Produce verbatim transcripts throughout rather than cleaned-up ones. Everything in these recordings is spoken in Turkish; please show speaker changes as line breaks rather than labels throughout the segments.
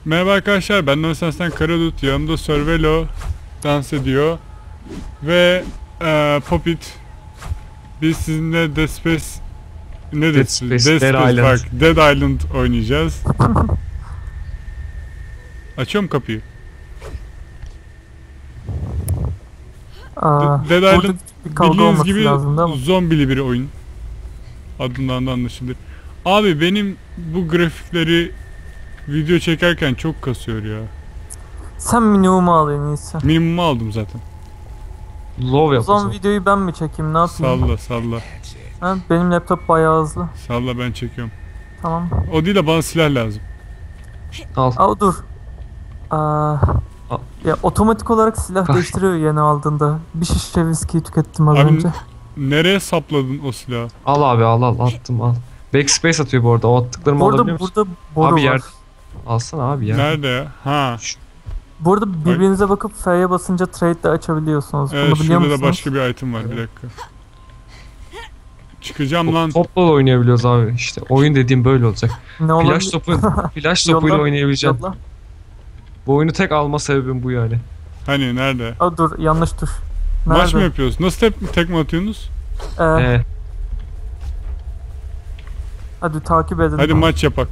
Merhaba arkadaşlar, ben Nonsense'den Karadut, yanımda Survelo dans ediyor ve e, Popit. Biz sizinle Dead Space ne Dead Space? Dead, Dead, Dead Island. Bak, Dead Island oynayacağız. Açıyorum kapıyı.
Aa,
Dead Island bildiğiniz gibi zombili bir oyun. Adından da anlaşılır. Abi benim bu grafikleri video çekerken çok kasıyor ya.
Sen minimumu al en iyisi.
Minimumu aldım zaten.
Low yap.
O zaman videoyu ben mi çekeyim, ne yapayım?
Salla salla.
Ha, benim laptop bayağı hızlı.
Salla, ben çekiyorum.
Tamam.
O değil de bana silah lazım.
Al.
Aa dur. Aa,
Al.
ya otomatik olarak silah değiştiriyor yeni aldığında. Bir şişe viskiyi tükettim az
Abi,
önce.
nereye sapladın o silahı?
Al abi, al al attım al. Backspace atıyor bu arada. O attıklarımı
Burada
alabiliyor musun?
burada boru
Abi
var.
yer. Alsana abi ya.
Nerede ya? Ha.
Burada birbirinize bakıp F'ye basınca trade de açabiliyorsunuz.
Evet,
Bunu biliyor
şurada
musunuz?
da başka bir item var, bir dakika. Çıkacağım lan.
Topla da oynayabiliyoruz abi. İşte oyun dediğim böyle olacak.
Ne olabilir?
Flash topu, flash topuyla oynayabileceğim.
Yolla.
Bu oyunu tek alma sebebim bu yani.
Hani nerede?
Aa dur, yanlış tuş. Nerede?
Maç mı yapıyoruz? Nasıl tek, tek mi atıyorsunuz?
Ee,
Ee,
hadi takip edin.
Hadi maç yapak.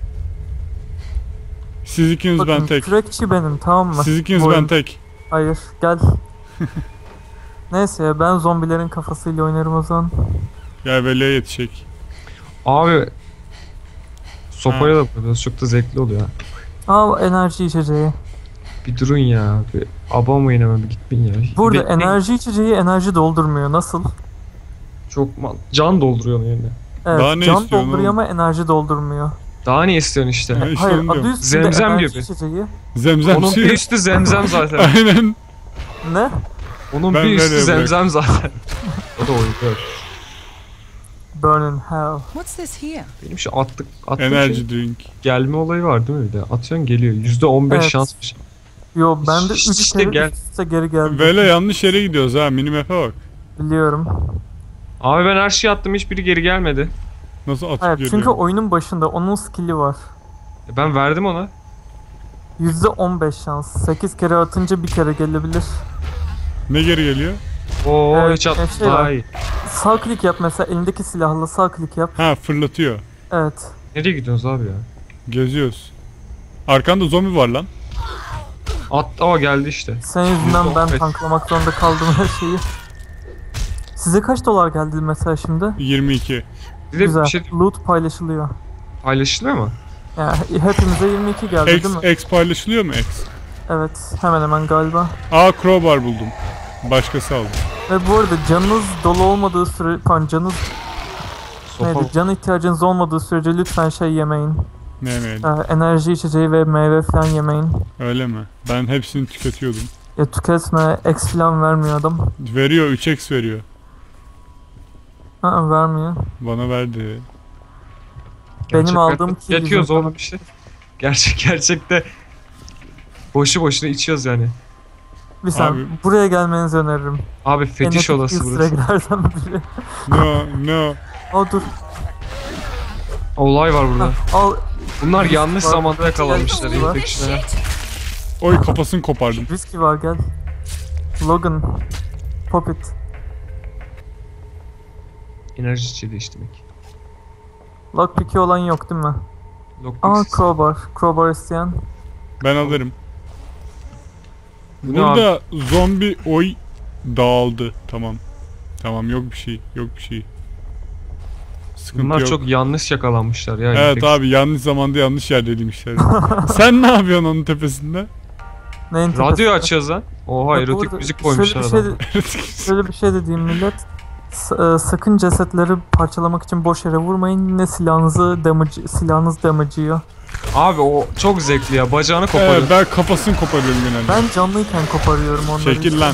Siz ikiniz,
Bakın,
ben tek.
kürekçi benim, tamam mı?
Siz ikiniz,
Bu
ben
oyun-
tek.
Hayır, gel. Neyse ya, ben zombilerin kafasıyla oynarım o zaman.
Gel Veli'ye yetişecek.
abi sopayla da yapıyoruz. Çok da zevkli oluyor.
Aa, enerji içeceği.
Bir durun ya. Bir abamayın hemen, bir gitmeyin ya.
Burada
Bekleyin.
enerji içeceği enerji doldurmuyor. Nasıl?
Çok mal. Can dolduruyor onun yerine.
Evet,
Daha ne
can
istiyorsun
dolduruyor
oğlum?
ama enerji doldurmuyor.
Daha ne istiyorsun işte?
Ha, işte
Hayır,
onu
adı
diyorum.
üstünde
Zemzem
enerji
gibi.
içeceği.
Zemzem
Onun
suyu.
bir üstü zemzem zaten.
Aynen.
Ne?
Onun
Ben
bir üstü
nereye
zemzem zaten. O da oyun. Evet.
Burn in hell.
What's this here?
Benim şu attık, attığım
Enerji
şey,
drink.
gelme olayı var değil mi bir de? Atıyorsun geliyor. yüzde on beş
Evet.
şansmış.
Yo, ben de üç
İşte
kere
gel.
üst üste geri geldim.
Veli yanlış yere gidiyoruz ha. Minimap'e bak.
Biliyorum.
Abi ben her şeyi attım, hiçbiri geri gelmedi.
Nasıl atıp
Hayır,
geliyor?
çünkü oyunun başında onun skill'i var.
E ben verdim ona.
yüzde on beş şans. sekiz kere atınca bir kere gelebilir.
Ne geri geliyor?
Oo
Evet,
hiç attım.
şey var.
Daha iyi.
Sağ klik yap mesela, elindeki silahla sağ klik yap.
Ha, fırlatıyor.
Evet.
Nereye gidiyorsunuz abi ya?
Geziyoruz. Arkanda zombi var lan.
At, aa geldi işte.
Senin yüzünden ben
Evet.
tanklamak zorunda kaldım her şeyi. Size kaç dolar geldi mesela şimdi?
yirmi iki.
Bir de
Güzel.
bir şey
Loot paylaşılıyor.
paylaşılıyor mu?
Yani hepimize yirmi iki geldi
X,
değil mi?
X paylaşılıyor mu X?
Evet, hemen hemen galiba.
Aa, crowbar buldum. Başkası aldı.
Ve bu arada canınız dolu olmadığı süre, pardon, canınız
Sopa.
neydi? Can ihtiyacınız olmadığı sürece lütfen şey yemeyin.
Ne yemeyelim?
Ee, enerji içeceği ve meyve falan yemeyin.
Öyle mi? Ben hepsini tüketiyordum.
Ya tüketme, X falan vermiyor adam.
Veriyor, üç X veriyor.
Aa, vermiyor.
Bana verdi.
Benim
Gerçek
aldığım
hayatta
kill
yatıyoruz
yüzünden.
oğlum işte. Gerçek gerçekte boşu boşuna içiyoruz yani.
Bir saniye,
Abi-
buraya gelmenizi öneririm.
Abi fetiş
En
olası
etkili
burası.
süreçlerden biri.
No, no.
Aa dur.
Olay var burada.
Hah, al.
Bunlar
Viski
yanlış
var,
zamanda
viski
yakalanmışlar.
var.
Infection'a.
Oy, kafasını kopardım.
Viski var, gel. Logan. Popit.
Enerji içeceği içtim ilk.
Lockpick'i olan yok değil mi? Aa,
Lockpicks.
crowbar. Crowbar isteyen.
Ben alırım.
Bu ne
Burada zombi oy dağıldı. Tamam. Tamam, yok bir şey. Yok bir şey. Sıkıntı
Bunlar
yok.
çok yanlış yakalanmışlar ya.
Evet
infection.
abi, yanlış zamanda yanlış yerdeymişler. Sen ne yapıyorsun onun tepesinde?
Neyin
Radyo
tepesinde?
açıyoruz lan. Oha,
Ya bu
erotik
arada
müzik koymuşlar
şöyle bir
adam.
şey de, şöyle bir şey de diyeyim millet. S- e, sakın cesetleri parçalamak için boş yere vurmayın. Yine silahınızı damage, silahınız damage yiyor.
Abi o çok zevkli ya. Bacağını koparıyor.
Evet, ben kafasını koparıyorum genelde.
Ben canlıyken koparıyorum onları.
Çekil lan.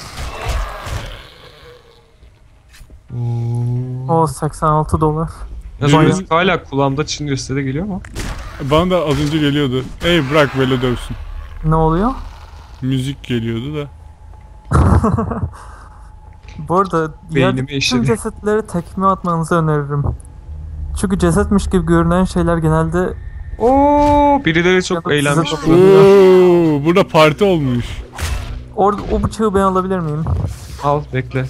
O seksen altı dolar.
Ya
Bayağı-
müzik hala kulağımda çınlıyor, size de geliyor mu?
Bana da az önce geliyordu. Ey bırak Velo dövsün.
Ne oluyor?
Müzik geliyordu da.
Bu arada
Beynimi
yerdeki tüm
eşledi.
cesetleri tekme atmanızı öneririm. Çünkü cesetmiş gibi görünen şeyler genelde
Oo, birileri çok
Ya da
eğlenmiş.
size
burada.
Oo, burada parti olmuş.
Orada o bıçağı ben alabilir miyim?
Al bekle.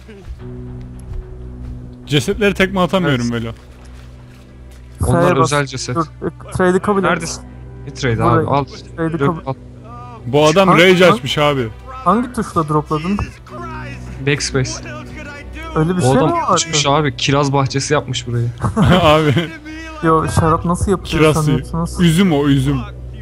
Cesetleri tekme atamıyorum
Evet.
Velo.
Onlar
F'ye bas.
özel ceset.
Dur, e, trade'i kabul et.
Neredesin? Ne trade
Burayı.
abi al.
Trade'i
Dök,
kabul.
al.
Bu adam
Hangi-
rage
hangi-
açmış abi.
Hangi tuşla dropladın?
Backspace.
Öyle bir
O
şey mi
adam
vardı?
uçmuş abi. Kiraz bahçesi yapmış burayı.
Abi
Yo, şarap nasıl yapılıyor
kiraz suyu.
sanıyorsunuz?
Üzüm o üzüm.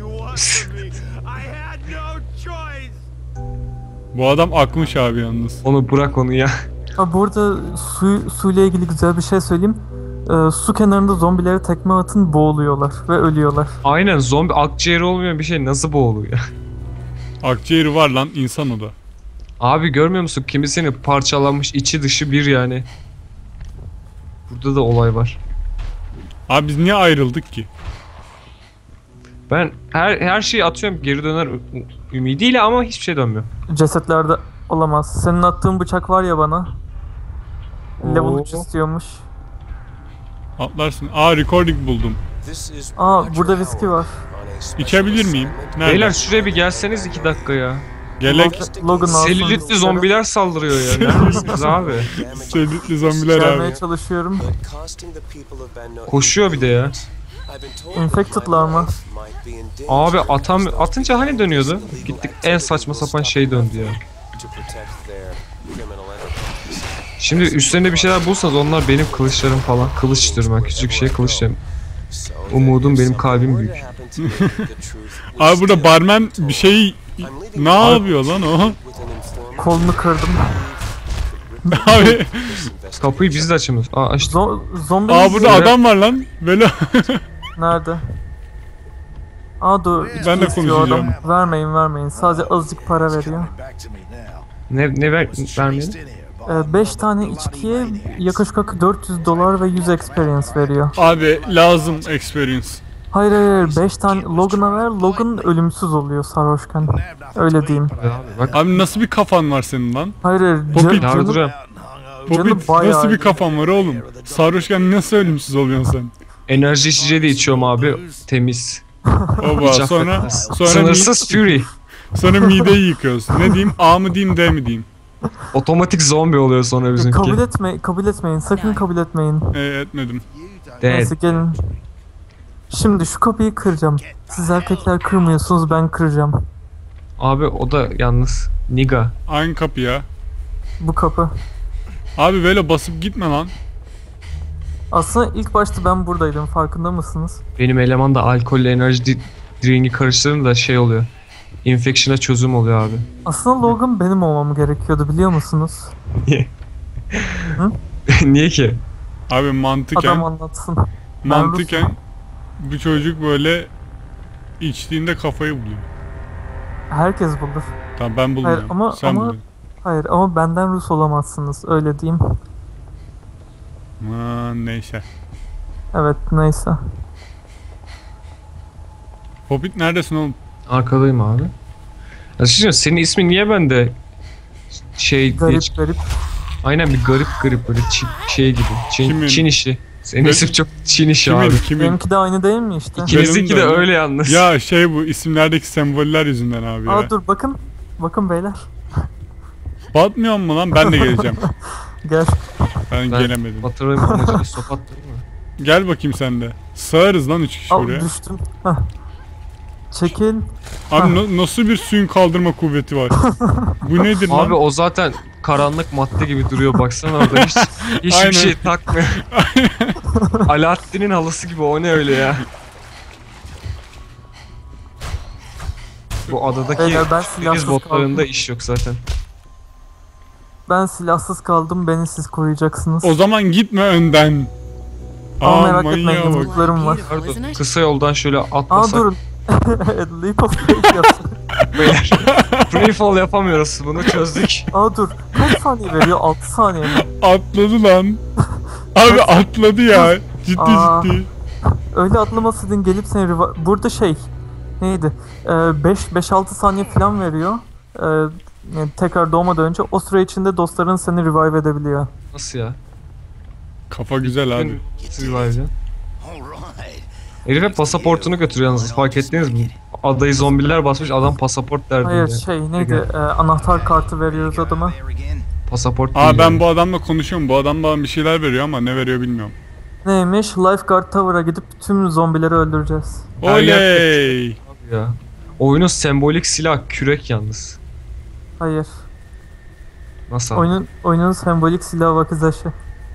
Bu adam akmış abi yalnız.
Onu bırak onu ya.
Ha, burada su, suyla ilgili güzel bir şey söyleyeyim. Ee, su kenarında zombilere tekme atın, boğuluyorlar ve ölüyorlar.
Aynen, zombi akciğeri olmayan bir şey nasıl boğuluyor?
Akciğeri var lan, insan o da.
Abi görmüyor musun? Kimisini parçalanmış, içi dışı bir yani. Burada da olay var.
Abi biz niye ayrıldık ki?
Ben her her şeyi atıyorum geri döner ü- ümidiyle ama hiçbir şey dönmüyor.
Cesetlerde olamaz. Senin attığın bıçak var ya bana. Level
Oo.
üç istiyormuş.
Atlarsın. Aa, recording buldum.
Aa, burada viski var.
İçebilir miyim? Nerede?
Beyler şuraya bir gelseniz iki dakika ya.
Gelek.
Log- Logan alsın
Selülitli
viskileri.
zombiler saldırıyor ya. Neredesiniz abi?
Selülitli zombiler abi.
Gelmeye çalışıyorum.
Koşuyor bir de ya.
Infected'lar mı?
Abi atam atınca hani dönüyordu? Gittik en saçma sapan şey döndü ya. Şimdi üstlerinde bir şeyler bulsanız onlar benim kılıçlarım falan. Kılıç diyorum ben, küçük şey kılıç diyorum. Umudum benim kalbim büyük.
Abi burada barmen bir şey ne yapıyor lan o?
Kolunu kırdım.
Abi,
Kapıyı biz de açamıyoruz. Aa açtık.
Zo zombi
aa burada adam var lan. Böyle
nerede? Aa dur.
Ben de
içki istiyor
konuşacağım.
adam. Vermeyin vermeyin. Sadece azıcık para veriyor.
Ne ne ver vermeyelim?
beş tane içkiye yaklaşık olarak dört yüz dolar ve yüz experience veriyor.
abi lazım experience.
Hayır hayır beş tane Logan'a ver. Logan ölümsüz oluyor sarhoşken. Öyle diyeyim.
Abi bak
Hani
Abi nasıl bir kafan var senin lan?
Hayır hayır.
Poppy,
Ca- canı-
yardırıyorum.
Popit
bayağı
nasıl bir
iyi.
kafan var oğlum? Sarhoşken nasıl ölümsüz oluyorsun sen?
Enerji içeceği de içiyorum abi. Temiz.
Oba
Hiç
sonra
affetmez.
sonra, mi,
Sınırsız fury.
sonra mideyi yıkıyoruz. Ne diyeyim? A mı diyeyim D mi diyeyim?
Otomatik zombi oluyor sonra bizimki.
kabul etme, kabul etmeyin. Sakın kabul etmeyin.
E, etmedim.
Evet.
Neyse gelin. Şimdi şu kapıyı kıracağım. Siz erkekler kırmıyorsunuz, ben kıracağım.
Abi o da yalnız. Niga.
Aynı kapı ya.
Bu kapı.
Abi böyle basıp gitme lan.
Aslında ilk başta ben buradaydım, farkında mısınız?
Benim eleman da alkolle enerji di- drink'i karıştırınca da şey oluyor. Infection'a çözüm oluyor abi.
Aslında Logan benim olmam gerekiyordu, biliyor musunuz?
Niye?
Hı?
Niye ki?
Abi mantıken
Adam anlatsın.
mantıken bu çocuk böyle içtiğinde kafayı buluyor.
Herkes bulur.
Tamam ben bulmuyorum.
Hayır, ama-
Sen
ama-
buluyorsun.
Hayır ama benden Rus olamazsınız, öyle diyeyim.
Aman neyse.
Evet, neyse.
Popit neredesin oğlum?
Arkadayım abi. Ya şimdi senin ismin niye bende şey diye
Garip
çık-
garip.
Aynen bir garip garip böyle Çin, şey gibi. Çin,
Kimin?
Çin işi. Senin
Ne-
isim çok Çin işi
Kimin
abi.
kimin?
Benimki de aynı değil mi işte?
İkinizinki de
Benim de
öyle yalnız.
Ya şey bu isimlerdeki semboller yüzünden abi ya.
Aa dur bakın. Bakın beyler.
Batmıyor mu lan? Ben de geleceğim.
Gel.
Ben,
Ben
gelemedim.
Batırayım amacıyla sopat değil mi?
Gel bakayım sen de. Sığarız lan üç kişi
Al
oraya.
düştüm. Heh. Çekil.
Abi na- nasıl bir suyun kaldırma kuvveti var? Bu nedir lan?
Abi o zaten karanlık madde gibi duruyor baksana orada hiç hiçbir
Aynen.
şey takmıyor. Alaaddin'in halısı gibi, o ne öyle ya? Bu adadaki
Beyler, ben
deniz
silahsız
botlarında
kaldım.
iş yok zaten.
Ben silahsız kaldım. Beni siz koruyacaksınız.
O zaman gitme önden.
Ama
Aa,
merak
manyağa
etmeyin,
bak.
yumruklarım var.
Pardon, kısa yoldan şöyle
Aa
atlasak
durun. Leap of faith yapsın.
beyler. Free fall yapamıyoruz, bunu çözdük.
Aa dur. Kaç saniye veriyor? altı saniye mi?
Atladı lan. Abi atladı ya. Ciddi
Aa.
ciddi.
Öyle atlamasaydın gelip seni revi- burada şey neydi? beş beş altı saniye falan veriyor. Ee, yani tekrar doğmadan önce o süre içinde dostların seni revive edebiliyor.
Nasıl ya?
Kafa güzel abi.
Revive edeceğim. Herife pasaportunu götürüyor yalnız, fark ettiniz mi? Adayı zombiler basmış, adam pasaport derdinde.
Hayır şey neydi e, anahtar kartı veriyoruz adama.
Pasaport
Aa
değil
ben
yani.
bu adamla konuşuyorum. Bu adam bana bir şeyler veriyor ama ne veriyor bilmiyorum.
Neymiş? Lifeguard Tower'a gidip tüm zombileri öldüreceğiz.
Her yer-
Oley!
Ya. Oyunun sembolik silah kürek yalnız.
Hayır.
Nasıl? abi?
Oyunun oyunun sembolik silah vakizaşı.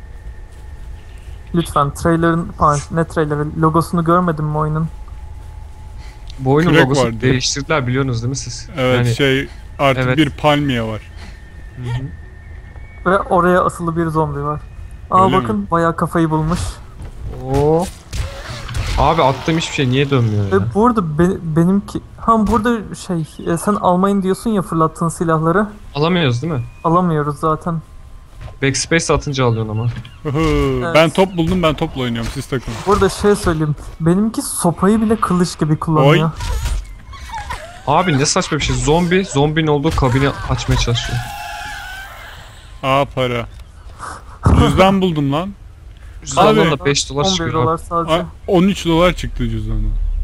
Lütfen trailer'ın falan ne trailer'ı logosunu görmedin mi oyunun?
Bu oyunun
Kürek
logosu
vardı.
değiştirdiler biliyorsunuz değil mi siz?
Evet
Yani-
şey artık
Evet.
bir palmiye var.
Hı hı.
Ve oraya asılı bir zombi var. Aa
Öyle
bakın bayağı kafayı bulmuş.
Oo. Abi attığım hiçbir şey niye dönmüyor ya?
Ve burada be- benimki... Ha burada şey e, sen almayın diyorsun ya fırlattığın silahları.
Alamıyoruz değil mi?
Alamıyoruz zaten.
Backspace atınca alıyorsun ama.
Hıhı,
Evet.
Ben top buldum, ben topla oynuyorum, siz takılın.
Burada şey söyleyeyim. Benimki sopayı bile kılıç gibi kullanıyor.
Abi ne saçma bir şey. Zombi, zombinin olduğu kabini açmaya çalışıyor.
Aa para. Cüzdan buldum lan.
Cüzdandan da beş dolar
on bir
çıkıyor.
dolar
Abi.
sadece.
Aa, on üç dolar çıktı cüzdandan.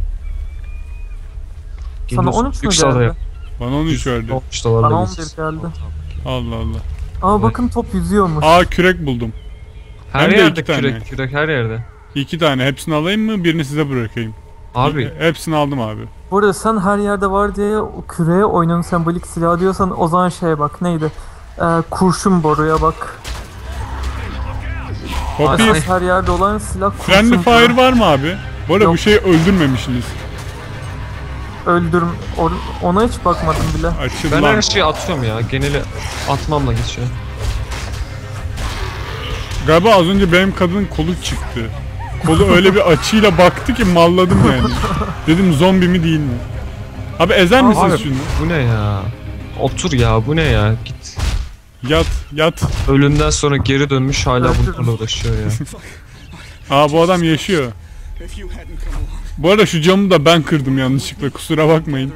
Sana
Geliyorsun,
on üç mü
büyük sağda
geldi?
yap.
Bana on üç verdi.
on üç dolarla
Bana on
geliyorsun.
bir geldi.
Allah Allah.
Aa
Evet.
bakın top yüzüyormuş.
Aa kürek buldum.
Her
Hem de
yerde
iki tane.
kürek, kürek her yerde.
İki tane. Hepsini alayım mı? Birini size bırakayım.
Abi
Hepsini aldım abi.
Burada sen her yerde var diye o küreye oyunun sembolik silahı diyorsan o zaman şeye bak neydi? Ee, kurşun boruya bak.
Poppy,
Esas her yerde olan silah kurşun
friendly
boru.
fire var mı abi? Bu arada
Yok.
bu şeyi öldürmemişsiniz.
Öldürüm. or- ona hiç bakmadım bile.
Açıl
ben
lan.
her şeyi atıyorum ya. Geneli atmamla geçiyor.
Galiba az önce benim kadının kolu çıktı. Kolu öyle bir açıyla baktı ki malladım yani. Dedim zombi mi değil mi? Abi ezer misiniz
Abi
şunu?
bu ne ya? Otur ya, bu ne ya? Git.
Yat, yat.
Ölümden sonra geri dönmüş hala
Evet.
bunlarla uğraşıyor ya.
Aa bu adam yaşıyor. Bu arada şu camı da ben kırdım yanlışlıkla, kusura bakmayın.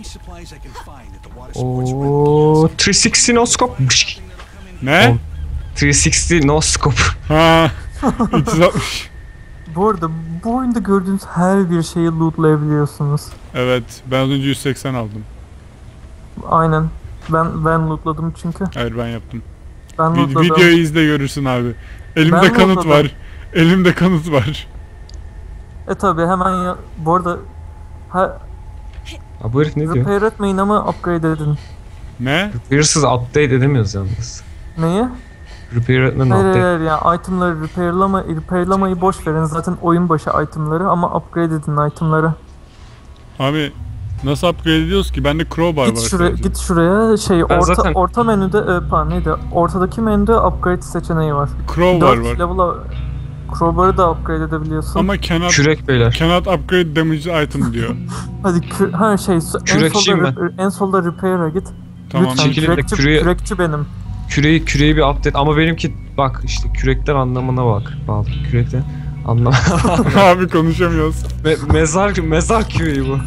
Ooo üç yüz altmış no scope.
Ne?
üç yüz altmış no scope.
Ha. üç yüz altmış.
Bu arada bu oyunda gördüğünüz her bir şeyi lootlayabiliyorsunuz.
Evet, ben az önce yüz seksen aldım.
Aynen. Ben ben lootladım çünkü.
Hayır ben yaptım.
Ben
Vi-
lootladım.
videoyu izle görürsün abi. Elimde
Ben
kanıt
lootladım.
var. Elimde kanıt var.
E tabi hemen ya. Bu arada ha,
Ha bu herif ne diyor?
repair etmeyin ama upgrade edin.
Ne?
Repair'sız update edemiyoruz yalnız.
Neyi?
Repair etmeden
Hayır hayır
update.
hayır yani itemları repairlama, repairlamayı boş verin. Zaten oyun başı itemları ama upgrade edin itemları.
Abi nasıl upgrade ediyoruz ki? Bende crowbar var
Git şuraya,
sadece.
git şuraya şey
Ben
orta
zaten-
orta menüde e, pardon neydi? Ortadaki menüde upgrade seçeneği var.
Crowbar
dört
var.
level'a Crowbar'ı da upgrade edebiliyorsun.
Ama cannot,
Kürek beyler.
cannot upgrade damage item diyor.
Hadi kü- ha şey so- en
Kürekçiyim
solda re- en solda repair'a git.
Tamam.
Lütfen
Çekilin de
kürekçi,
küreği-
kürekçi benim.
Küreği, küreği bir update ama benimki bak işte kürekler anlamına bak. Bağlı. Kürekler anlam.
Abi konuşamıyoruz.
Me- mezar mezar küreği bu.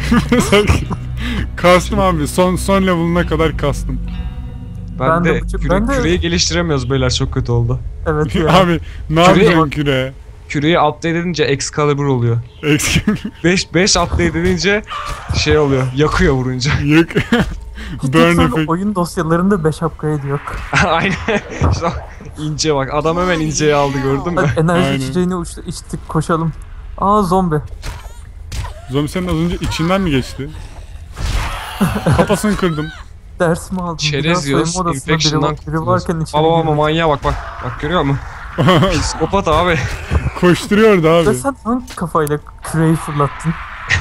Kastım abi. Son son level'ına kadar kastım.
Ben,
Ben de
de,
bu-
küre-
ben de-
küreği geliştiremiyoruz beyler, çok kötü oldu.
Evet ya.
Abi ne
Küreği-
yapacaksın küre?
Küreği update edince Excalibur oluyor.
Eksik.
beş beş update edince şey oluyor. Yakıyor vurunca.
Yık.
Hiç
Burn
lütfen
effect.
oyun dosyalarında beş upgrade yok.
Aynen. İşte o ince bak. Adam hemen inceyi aldı, gördün mü?
Hadi enerji
Aynen.
içeceğini uçtu, içtik koşalım. Aa zombi.
Zombi senin az önce içinden mi geçti? Kafasını kırdım.
Dersimi aldım.
Çerez
Biraz
yiyoruz.
soyunma odasında biri,
Infection'dan
var- biri
kurtuluyoruz.
varken içeri
Baba baba
girdik.
manyağa bak bak. Bak görüyor musun? Psikopat abi.
Koşturuyordu
Ve
abi.
sen hangi kafayla küreği fırlattın?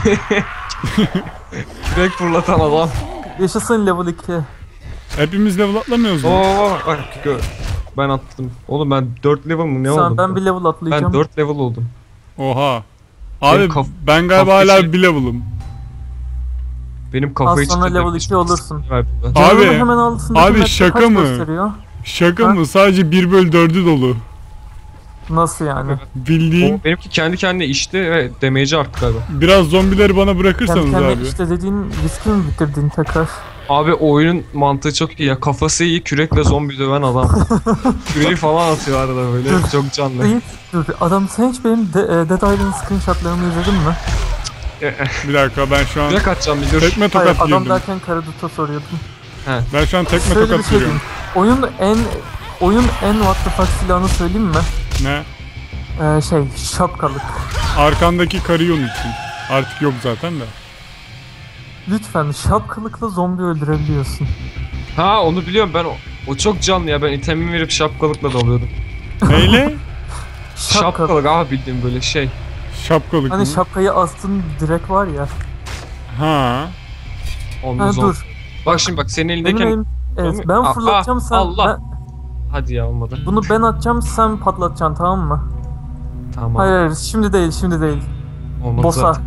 Kürek fırlatan adam.
Yaşasın level iki.
Hepimiz level atlamıyoruz mu?
Oo bak gör. Ben attım. Oğlum ben dört level mı ne
Sen
oldum?
ben bir level atlayacağım.
Ben dört level oldum.
Oha. Abi
Benim kaf-
ben galiba
kafayı
hala
şey-
bir level'ım.
Benim kafayı
Az sonra
çıkaracak
level
bir
iki
şey
olursun.
var burada.
Abi,
Canının hemen altındaki
abi
map'te
şaka
kaç
mı?
gösteriyor?
Şaka
Ha?
mı? Sadece bir bölü dördü dolu.
Nasıl yani?
Bildiğin.
O benimki kendi kendine içti ve damage'i arttı galiba.
Biraz zombileri bana
Kendi
bırakırsanız
kendine
abi.
işte dediğin riski mi bitirdin tekrar?
Abi oyunun mantığı çok iyi ya. Kafası iyi, kürekle zombi döven adam. Küreği falan atıyor arada böyle. Çok canlı.
Değil, dur. Adam sen hiç benim de, e, Dead Island screenshotlarımı izledin mi?
Bir dakika ben şu an
Kürek atacağım bir dur.
tekme
Hayır,
tokat
adam
girdim.
derken Karadut'a soruyordum.
Ben şu an tekme
Şöyle bir
tokat
şey
giriyorum.
diyeyim. Oyun en oyun en what the fuck silahını söyleyeyim mi?
Ne?
Ee, şey, şapkalık.
Arkandaki karıyı unuttun. Artık yok zaten de.
Lütfen şapkalıkla zombi öldürebiliyorsun.
Ha onu biliyorum ben o, o çok canlı ya ben itemimi verip şapkalıkla dalıyordum.
Neyle?
Şapkalık.
Şapkalık abi bildiğim böyle şey.
Şapkalık
Hani
mı?
şapkayı astın direkt var ya.
Ha.
Ondan
Ha
sonra.
dur.
Bak şimdi bak senin
Benim
elindeyken...
elim, evet,
Zombi-
ben
Aa,
fırlatacağım sen.
Allah.
ben-
Hadi ya olmadı.
bunu ben atacağım sen patlatacaksın, tamam mı?
Tamam.
Hayır hayır, şimdi değil şimdi değil.
Olmadı
Boss'a.
zaten.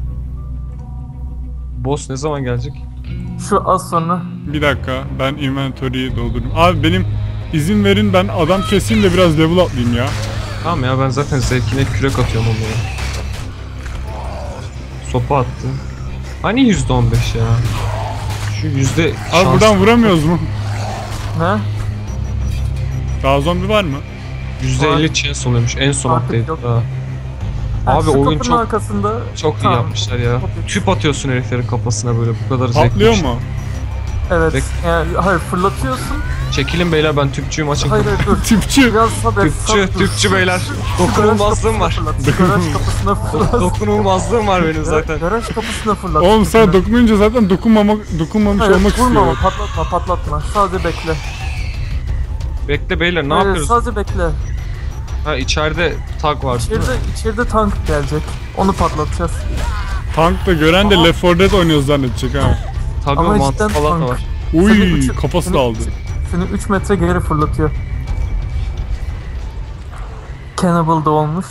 Boss ne zaman gelecek?
Şu az sonra.
Bir dakika ben inventory'yi doldurdum. Abi benim izin verin ben adam keseyim de biraz level atlayayım ya.
Tamam ya ben zaten zevkine kürek atıyorum onlara. Sopa attı. Hani yüzde on beş ya? Şu yüzde
Abi
şans-
buradan vuramıyoruz mu?
Ne?
Daha zombi var mı?
yüzde elli chance oluyormuş en son
Artık
update
yok.
daha.
Ha,
Abi
şu
oyun
kapının
çok
arkasında.
çok iyi
Tamam.
yapmışlar ya.
Okey.
Tüp atıyorsun heriflerin kafasına böyle bu kadar zevkli.
Patlıyor
bir şey.
mu?
Evet.
Bek-
Yani, hayır fırlatıyorsun.
Çekilin beyler ben tüpçüyüm açın.
Hayır hayır dur.
Tüpçü.
Biraz sabret.
Tüpçü,
sabret, dur.
tüpçü beyler.
Şu garaj
Dokunulmazlığım var.
kapısına fırlat, şu Garaj kapısına fırlat.
Dokunulmazlığım var benim zaten.
Garaj kapısına fırlat.
Oğlum sen dokununca zaten dokunmamak, dokunmamış
Hayır,
olmak
vurma ama
istiyor.
patlatma patlatma. Sadece bekle.
Bekle beyler ne
Hayır,
yapıyoruz?
sadece bekle.
Ha içeride tag var. değil mi?
İçeride, içeride tank gelecek. Onu patlatacağız.
Tank da gören de
Aha.
Left four Dead oynuyoruz zannedecek ha.
Tabii
Ama
o mantık
cidden
falan da
tank.
var.
Seni
Uy
üç-
kafası
seni-
da aldı.
Seni üç metre geri fırlatıyor. Cannibal da olmuş.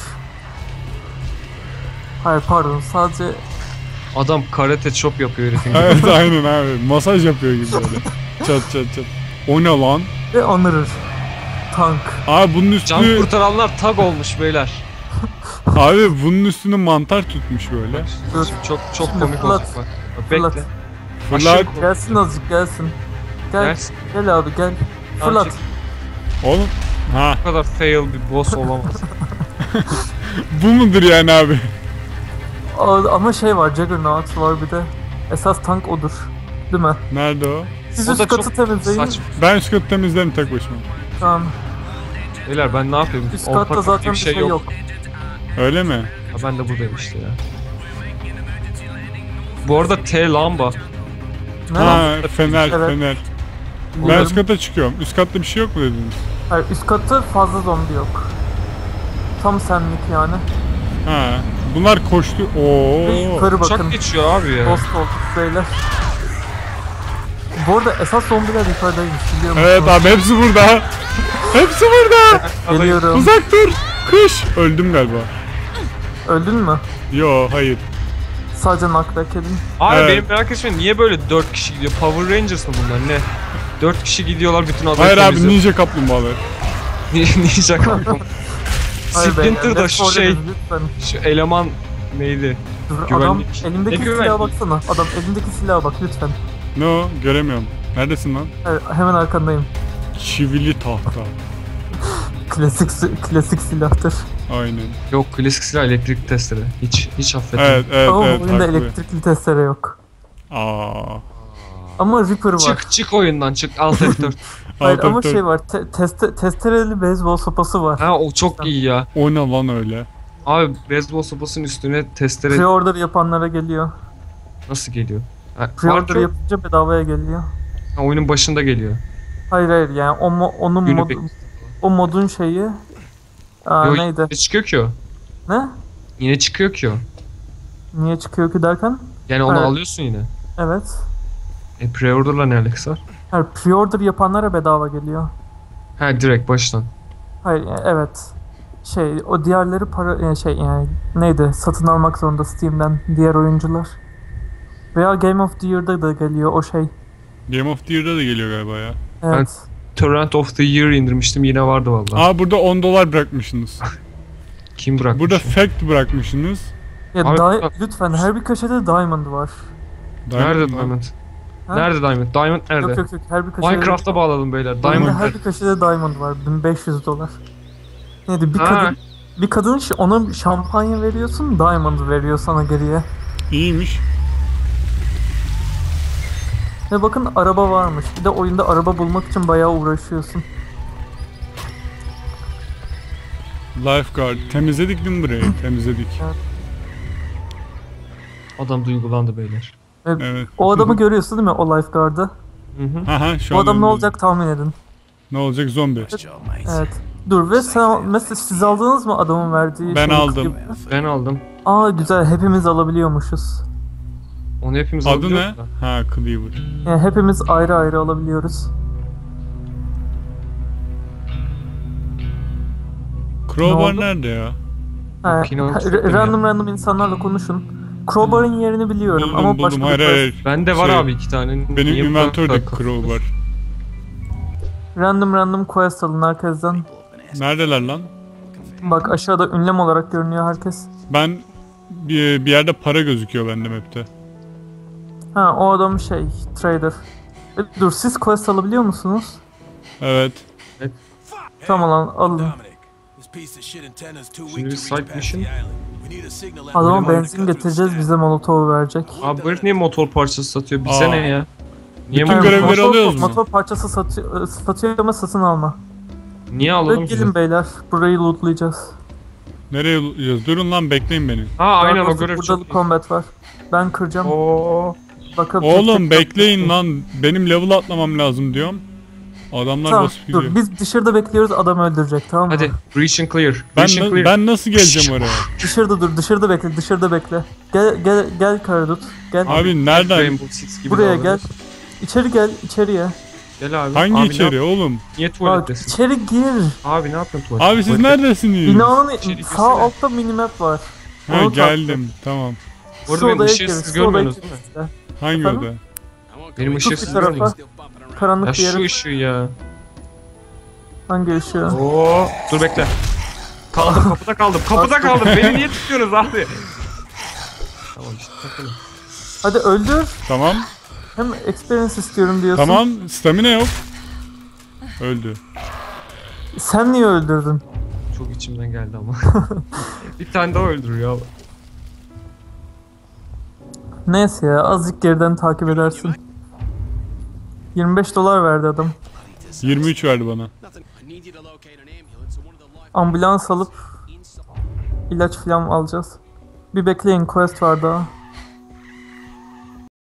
Hayır pardon, sadece
Adam karate chop yapıyor herifin.
Evet aynen abi. Masaj yapıyor gibi böyle. Çat çat çat. O ne lan?
ve anırır. Tank.
Abi bunun
Can
üstünü
kurtaranlar tag olmuş beyler.
abi bunun üstünü mantar tutmuş böyle.
Dur.
Şimdi çok çok
Şimdi
komik
fırlat.
olacak bak. Bak
Fırlat.
bekle.
Fırlat.
Aşağı-
Gelsin azıcık gelsin. Gel.
Gelsin.
Gel abi gel.
Tamam,
Fırlat.
çek.
Oğlum. Ha
Bu kadar fail bir boss olamaz.
bu mudur yani abi?
Aa, ama şey var, Juggernaut var bir de. Esas tank odur. Değil mi?
Nerede o?
Siz
O
üst
da
katı
çok
temizleyin.
saçma.
Ben üst katı temizlerim tek başıma.
Tamam.
Beyler ben ne yapayım?
Üst
Orta
katta
kat
zaten
diye
bir şey yok.
Öyle mi?
Ha, ben de buradayım işte ya. Bu arada T lamba.
Ne?
Ha fener
Evet.
fener. Ben
Umarım-
üst kata çıkıyorum. Üst katta bir şey yok mu dediniz?
Hayır, üst katta fazla zombi yok. Tam senlik yani.
Ha. Bunlar koştu. Oo.
Ve yukarı bakın.
Uçak geçiyor abi ya.
Dost olduk beyler. Bu arada esas zombiler yukarıdaymış, biliyor musun?
Evet abi hepsi burada. Hepsi burada.
Geliyorum.
Uzak dur. Kış. Öldüm galiba.
Öldün mü?
Yo hayır.
Sadece knockback edin.
Abi
Evet.
benim merak etmeyin niye böyle dört kişi gidiyor? Power Rangers mı bunlar ne? dört kişi gidiyorlar bütün adayı
Hayır abi
temizliyor.
ninja kaplumbağalar.
Ninja kampım.
Hayır beyler,
Splinter'da
Left
şu
four
şey,
Dead'in lütfen.
şu eleman neydi?
Dur, adam
Güvenlik.
elindeki
Ne
silaha
güvenlik?
baksana. Adam elindeki silaha bak lütfen.
Ne o? Göremiyorum. Neredesin lan?
Evet, hemen arkandayım.
Çivili tahta.
Klasik si- klasik silahtır.
Aynen.
Yok klasik silah elektrik testere. Hiç hiç affetmem.
Evet evet
Ama
evet.
bu oyunda
haklı.
elektrikli testere yok.
Aa.
Ama Reaper var.
Çık çık oyundan çık Alt F dört.
Hayır
Alt
ama
F dört.
şey var. Te- teste- testereli beyzbol sopası var.
Ha o çok iyi ya.
O ne lan öyle?
Abi beyzbol sopasının üstüne testere
Pre-order yapanlara geliyor.
nasıl geliyor? Ha,
Pre-order
Arthur-
yapınca bedavaya geliyor.
ha, oyunun başında geliyor.
Hayır hayır yani o mo- onun
Günü
mod
bek-
o modun şeyi aa,
Yo,
neydi?
yine çıkıyor ki o.
Ne?
Yine çıkıyor ki o.
Niye çıkıyor ki derken?
Yani onu
Evet.
alıyorsun yine.
Evet.
E pre-order'la ne alakası var?
Hayır pre-order yapanlara bedava geliyor.
Ha direkt baştan.
Hayır yani evet. Şey o diğerleri para yani şey yani neydi? Satın almak zorunda Steam'den diğer oyuncular. Veya Game of the Year'da da geliyor o şey.
Game of the Year'da da geliyor galiba ya.
Evet.
Torrent of the Year indirmiştim yine vardı vallahi.
Aa burada on dolar bırakmışsınız.
Kim bırakmış?
Burada fact bırakmışsınız.
Ya
Abi-
di- lütfen her bir köşede diamond var.
Nerede
Diamond mı?
Diamond?
Ha?
Nerede Diamond? Diamond nerede?
Yok yok yok, her bir köşede...
Minecraft'a bağladım beyler.
Diamond.
Diamond.
Her bir köşede diamond var. bin beş yüz dolar. Neydi bir
Ha.
kadın... Bir kadın ş- ona şampanya veriyorsun, diamond veriyor sana geriye.
İyiymiş.
Ve bakın araba varmış. Bir de oyunda araba bulmak için bayağı uğraşıyorsun.
Lifeguard. Temizledik değil mi burayı? Temizledik.
Adam duygulandı beyler.
Ve
Evet.
o adamı görüyorsun değil mi, o lifeguard'ı?
Hı hı.
Aha şu
O
an
adam ne
önümüzde.
olacak tahmin edin.
Ne olacak? Zombi.
Evet. Dur ve sen mesela siz aldınız mı adamın verdiği
Ben
şeyi,
aldım.
klibi?
Ben aldım.
Aa güzel, hepimiz alabiliyormuşuz.
Onu hepimiz
Adı
alıyoruz
ne?
da.
Ha, Cleaver.
Yani hepimiz ayrı ayrı alabiliyoruz.
Crowbar
oldu?
nerede ya?
Ha,
Pinot
ha,
çok iyi.
random random insanlarla konuşun. Crowbar'ın yerini biliyorum
Buldum
ama
buldum.
başka
Hayır
bir
hayır.
Bende var
Şey,
abi iki tane.
Benim
Niye bu kadar
inventörde
takılıyorsun?
Crowbar.
random random quest alın herkesten.
Neredeler lan?
Bak aşağıda ünlem olarak görünüyor herkes.
Ben bir, bir yerde para gözüküyor bende map'te.
Ha o adam şey, trader. E, dur siz quest alabiliyor musunuz?
Evet.
Tamam lan alın.
Şimdi bir side mission.
Adama benzin getireceğiz, bize molotov verecek.
Abi bu herif niye motor parçası satıyor? Bize
Aa.
ne ya? Niye
Bütün
motor,
görevleri
motor,
alıyoruz mu?
Motor parçası satıyor, satıyor ama satın alma.
niye
Ve
alalım ki?
gelin beyler, burayı lootlayacağız.
Nereye yaz? Durun lan, bekleyin beni.
Ha aynen
Daha
o
doğrusu
görev
burada
çok
bir
iyi.
combat var. Ben kıracağım.
Oo.
Bakın,
Oğlum bekleyin lan. Benim level atlamam lazım diyorum. Adamlar
Tamam
basıp gidiyor.
dur, biz dışarıda bekliyoruz, adam öldürecek, tamam mı?
Hadi. Breach and clear.
Ben,
Breach and
na-
clear.
ben nasıl geleceğim oraya?
Dışarıda dur, dışarıda bekle, dışarıda bekle. Gel gel gel Karadut. Gel.
Abi nereden?
Rainbow Six gibi
Buraya
davranıyorsun.
gel. İçeri gel, içeriye.
Gel abi.
Hangi
abi
içeri
Ne,
oğlum?
niye
Bak
tuvalettesin?
içeri gir.
Abi ne yapıyorsun tuvalette?
Abi siz
Tuvalette-
neredesiniz?
Binanın
İçeri
sağ
girsene.
altta minimap var.
Ha
Onu
geldim. Tamam.
Bu arada
Şu
benim
odaya
ışığı
gir,
siz
şu odaya
görmüyorsunuz
gir
değil mi?
işte.
Hangi
Efendim?
oda?
Benim ışığı
Tut
siz
bir tarafa.
görmüyorsunuz.
Karanlık
Ya
bir yere.
şu ışığı ya.
Hangi ışığı?
Oo. Dur bekle. Kaldım kapıda kaldım. Kapıda kaldım. Beni niye tutuyorsunuz abi? Tamam işte takılın.
Hadi öldür.
Tamam.
Hem experience istiyorum diyorsun.
Tamam. Stamina yok. Öldü.
Sen niye öldürdün?
Çok içimden geldi ama. Bir tane daha öldürüyor abi.
Neyse ya, azıcık geriden takip edersin. yirmi beş dolar verdi adam.
yirmi üç verdi bana.
Ambulans alıp ilaç falan alacağız. Bir bekleyin, quest var daha.